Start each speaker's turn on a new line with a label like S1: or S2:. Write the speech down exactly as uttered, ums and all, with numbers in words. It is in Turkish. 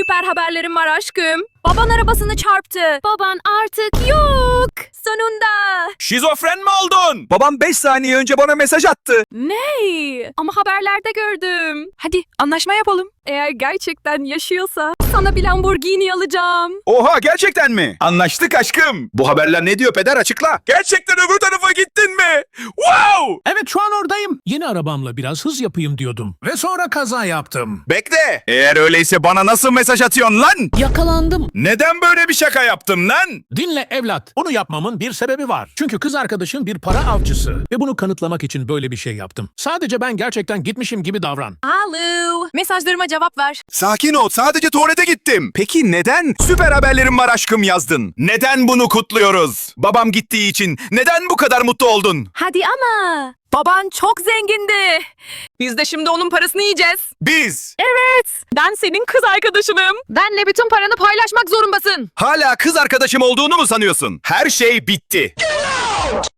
S1: Süper haberlerim var aşkım. Baban arabasını çarptı. Baban artık yok. Sonunda.
S2: Şizofren mi oldun?
S3: Babam beş saniye önce bana mesaj attı.
S1: Ne? Ama haberlerde gördüm. Hadi anlaşma yapalım. Eğer gerçekten yaşıyorsa sana bir Lamborghini alacağım.
S3: Oha, gerçekten mi? Anlaştık aşkım. Bu haberler ne diyor peder, açıkla.
S2: Gerçekten öbür tarafa gittin mi? Wow!
S4: Evet, şu an oradayım. Yeni arabamla biraz hız yapayım diyordum. Ve sonra kaza yaptım.
S3: Bekle. Eğer öyleyse bana nasıl mesaj atıyorsun lan?
S4: Yakalandım.
S3: Neden böyle bir şaka yaptın lan?
S4: Dinle evlat. Bunu yapmamın bir sebebi var. Çünkü kız arkadaşın bir para avcısı. Ve bunu kanıtlamak için böyle bir şey yaptım. Sadece ben gerçekten gitmişim gibi davran.
S1: Alo. Mesajlarıma cevap ver.
S3: Sakin ol, sadece tuvalete gittim. Peki neden süper haberlerim var aşkım yazdın? Neden bunu kutluyoruz? Babam gittiği için neden bu kadar mutlu oldun?
S1: Hadi ama. Baban çok zengindi. Biz de şimdi onun parasını yiyeceğiz.
S3: Biz
S1: Evet. Ben senin kız arkadaşınım. Benle bütün paranı paylaşmak zorundasın.
S3: hala kız arkadaşım olduğunu mu sanıyorsun? Her şey bitti.